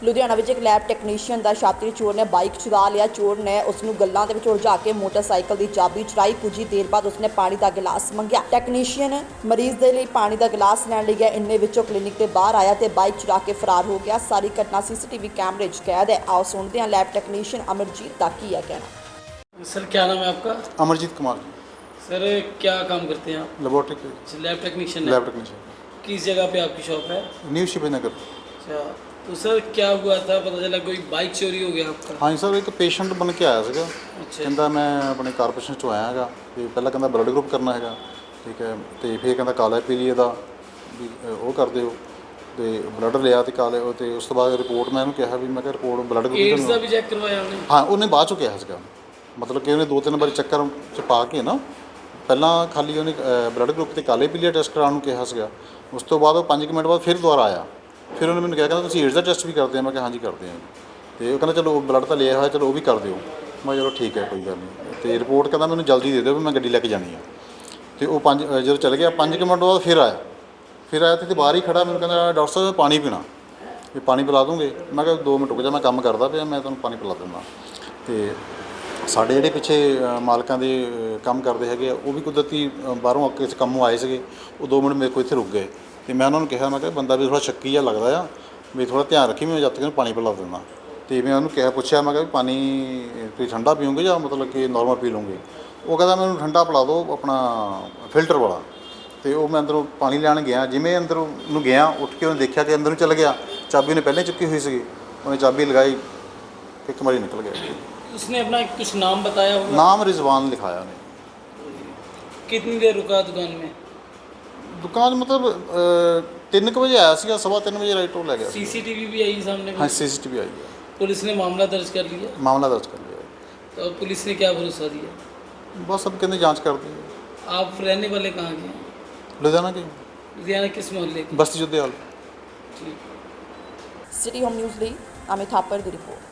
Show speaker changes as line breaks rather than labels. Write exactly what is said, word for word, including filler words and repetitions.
ਲੁਧਿਆਣਾ ਵਿੱਚ ਇੱਕ lab technician ਦਾ ਛਾਤਰੀ ਚੋਰ ਨੇ ਬਾਈਕ ਚੁਰਾ ਲਿਆ। ਚੋਰ ਨੇ ਉਸ ਨੂੰ ਗੱਲਾਂ ਦੇ ਵਿੱਚ ਉਲਝਾ ਕੇ ਮੋਟਰਸਾਈਕਲ ਦੀ ਚਾਬੀ ਚੁਰਾਈ। ਕੁਝ ਹੀ ਦੇਰ ਬਾਅਦ ਉਸਨੇ ਪਾਣੀ ਦਾ ਗਿਲਾਸ ਮੰਗਿਆ। ਟੈਕਨੀਸ਼ੀਅਨ ਮਰੀਜ਼ ਦੇ ਲਈ ਪਾਣੀ ਦਾ ਗਿਲਾਸ ਲੈਣ ਲਈ ਗਿਆ। ਇੰਨੇ ਵਿੱਚੋਂ ਕਲੀਨਿਕ ਦੇ ਬਾਹਰ ਆਇਆ ਤੇ ਬਾਈਕ ਚੁਰਾ ਕੇ ਫਰਾਰ ਹੋ ਗਿਆ। ਸਾਰੀ ਘਟਨਾ ਸੀਸੀਟੀਵੀ ਕੈਮਰੇ 'ਚ ਕੈਦ ਹੈ। ਆਓ ਸੁਣਦੇ ਹਾਂ ਲੈਬ ਟੈਕਨੀਸ਼ੀਅਨ ਅਮਰਜੀਤ ਦਾ ਕੀ ਹੈ ਕਹਿਣਾ।
सर क्या नाम है आपका?
अमरजीत कुमार
सर क्या काम करते हैं आप?
लेबोरेटरी
लैब टेक्नीशियन है।
लैब टेक्नीशियन
किस जगह पे आपकी शॉप है?
न्यू शिवाजी नगर।
अच्छा, तो सर क्या हुआ था? पता चला कोई बाइक चोरी हो गया आपका?
हाँ जी सर, एक पेशेंट बन के आया ਸੀਗਾ।
अच्छा
ਕਹਿੰਦਾ ਮੈਂ ਆਪਣੇ ਕਾਰਪੋਰੇਸ਼ਨ ਚੋਂ ਆਇਆ ਹੈਗਾ ਤੇ ਪਹਿਲਾਂ ਕਹਿੰਦਾ ਬਲੱਡ ਗਰੁੱਪ ਕਰਨਾ ਹੈਗਾ, ਠੀਕ ਹੈ, ਤੇ ਫਿਰ ਕਹਿੰਦਾ ਕਾਲਾ ਪੀਲੀਏ ਦਾ ਵੀ ਅ, ਉਹ ਕਰ ਦਿਓ ਤੇ ਬਲੱਡ ਲਿਆ ਤੇ ਕਾਲੇ ਉਹ ਤੇ ਉਸ ਤੋਂ ਬਾਅਦ ਰਿਪੋਰਟ ਮੈਂ ਇਹਨੂੰ ਕਿਹਾ ਵੀ ਮੈਂ ਕਿਹਾ ਰਿਪੋਰਟ ਬਲੱਡ
एड्स का
ਗਰੁੱਪ
भी चेक करवाया उन्हें?
ਹਾਂ ਉਹਨੇ ਬਾਅਦ ਚੋਂ ਕਿਹਾ ਸੀਗਾ, ਮਤਲਬ ਕਿ ਉਹਨੇ ਦੋ ਤਿੰਨ ਵਾਰੀ ਚੱਕਰ ਚ ਪਾ ਕੇ ਨਾ ਪਹਿਲਾਂ ਖਾਲੀ ਉਹਨੇ ਬਲੱਡ ਗਰੁੱਪ ਤੇ ਕਾਲੇ ਪੀਲੀਆ ਟੈਸਟ ਕਰਾਉਣ ਨੂੰ ਕਿਹਾ ਸੀਗਾ। ਉਸ ਤੋਂ ਬਾਅਦ ਉਹ ਪੰਜ ਕੁ ਮਿੰਟ ਬਾਅਦ ਫਿਰ ਦੁਬਾਰਾ ਆਇਆ। ਫਿਰ ਉਹਨੇ ਮੈਨੂੰ ਕਿਹਾ ਕਹਿੰਦਾ ਤੁਸੀਂ ਏਡਸ ਦਾ ਟੈਸਟ ਵੀ ਕਰਦੇ ਆ? ਮੈਂ ਕਿਹਾ ਹਾਂਜੀ ਕਰਦੇ ਆ। ਤੇ ਉਹ ਕਹਿੰਦਾ ਚਲੋ ਬਲੱਡ ਤਾਂ ਲਿਆ ਹੋਇਆ, ਚਲੋ ਉਹ ਵੀ ਕਰ ਦਿਓ। ਮੈਂ ਚਲੋ ਠੀਕ ਹੈ ਕੋਈ ਗੱਲ ਨਹੀਂ। ਤੇ ਰਿਪੋਰਟ ਕਹਿੰਦਾ ਮੈਨੂੰ ਜਲਦੀ ਦੇ ਦਿਓ ਵੀ ਮੈਂ ਗੱਡੀ ਲੈ ਕੇ ਜਾਣੀ ਆ। ਤੇ ਉਹ ਪੰਜ ਜਦੋਂ ਚਲੇ ਗਿਆ ਪੰਜ ਕੁ ਮਿੰਟ ਬਾਅਦ ਫਿਰ ਆਇਆ ਫਿਰ ਆਇਆ ਤੇ ਬਾਹਰ ਹੀ ਖੜਾ ਮੈਨੂੰ ਕਹਿੰਦਾ ਡਾਕਟਰ ਸਾਹਿਬ ਮੈਂ ਪਾਣੀ ਪੀਣਾ, ਵੀ ਪਾਣੀ ਪਿਲਾ ਦੂੰਗੇ? ਮੈਂ ਕਿਹਾ ਦੋ ਮਿੰਟ ਰੁਕ ਜਾ, ਮੈਂ ਕੰਮ ਕਰਦਾ ਪਿਆ, ਮੈਂ ਤੁਹਾਨੂੰ ਪਾਣੀ ਪਿਲਾ ਦਿੰਦਾ। ਤੇ ਸਾਡੇ ਜਿਹੜੇ ਪਿੱਛੇ ਮਾਲਕਾਂ ਦੇ ਕੰਮ ਕਰਦੇ ਹੈਗੇ ਆ ਉਹ ਵੀ ਕੁਦਰਤੀ ਬਾਹਰੋਂ ਕਿਸੇ ਕੰਮੋਂ ਆਏ ਸੀਗੇ। ਉਹ ਦੋ ਮਿੰਟ ਮੇਰੇ ਕੋਲ ਇੱਥੇ ਰੁਕ ਗਏ ਤੇ ਮੈਂ ਉਹਨਾਂ ਨੂੰ ਕਿਹਾ, ਮੈਂ ਕਿਹਾ ਬੰਦਾ ਵੀ ਥੋੜ੍ਹਾ ਸ਼ੱਕੀ ਜਿਹਾ ਲੱਗਦਾ ਆ, ਵੀ ਥੋੜ੍ਹਾ ਧਿਆਨ ਰੱਖੀ, ਮੈਂ ਜਦ ਤੱਕ ਇਹਨੂੰ ਪਾਣੀ ਪਿਲਾ ਦਿੰਦਾ। ਅਤੇ ਮੈਂ ਉਹਨੂੰ ਕਿਹਾ ਪੁੱਛਿਆ, ਮੈਂ ਕਿਹਾ ਵੀ ਪਾਣੀ ਤੁਸੀਂ ਠੰਡਾ ਪੀਓਗੇ ਜਾਂ ਮਤਲਬ ਕਿ ਨੋਰਮਲ ਪੀ ਲਓਗੇ? ਉਹ ਕਹਿੰਦਾ ਮੈਨੂੰ ਠੰਡਾ ਪਿਲਾ ਦਿਓ, ਆਪਣਾ ਫਿਲਟਰ ਵਾਲਾ। ਅਤੇ ਉਹ ਮੈਂ ਅੰਦਰੋਂ ਪਾਣੀ ਲੈਣ ਗਿਆ, ਜਿਵੇਂ ਅੰਦਰੋਂ ਨੂੰ ਗਿਆ ਉੱਠ ਕੇ ਉਹਨੇ ਦੇਖਿਆ ਕਿ ਅੰਦਰ ਨੂੰ ਚਲਾ ਗਿਆ। ਚਾਬੀ ਉਹਨੇ ਪਹਿਲਾਂ ਚੁੱਕੀ ਹੋਈ ਸੀਗੀ, ਉਹਨੇ ਚਾਬੀ ਲਗਾਈ, ਇੱਕ ਵਾਰੀ ਨਿਕਲ ਗਿਆ।
उसने अपना कुछ नाम बताया होगा?
ਨਾਮ ਰਿਜ਼ਵਾਨ ਲਿਖਾਇਆ ਉਹਨੇ।
कितनी देर रुका दुकान में?
ਦੁਕਾਨ ਮਤਲਬ ਤਿੰਨ ਕੁ ਵਜੇ ਆਇਆ ਸੀਗਾ, ਸਵਾ ਤਿੰਨ ਵਜੇ ਰਾਈਟ ਉਹ ਲੈ ਗਿਆ।
सीसीटीवी भी आई सामने?
ਹਾਂ ਸੀ ਸੀ ਟੀ ਵੀ ਆਈ ਹੈ,
पुलिस ने मामला दर्ज कर लिया?
ਮਾਮਲਾ ਦਰਜ ਕਰ ਲਿਆ।
तो पुलिस ने क्या भरोसा दिया?
ਬਸ ਅਬ ਕਹਿੰਦੇ ਜਾਂਚ ਕਰਦੀ ਹੈ।
आप रहने वाले कहाँ के हैं?
ਲੁਧਿਆਣਾ ਕੇ
लुधियाना किस मोहल्ले के?
ਬਸਤੀ ਜੁੱਦੇ ਹਾਲ।
ठीक।
ਸਿਟੀ ਹੋਮ ਨਿਊਜ਼ ਲਈ ਅਮਿਤ ਥਾਪਰ ਦੀ ਰਿਪੋਰਟ।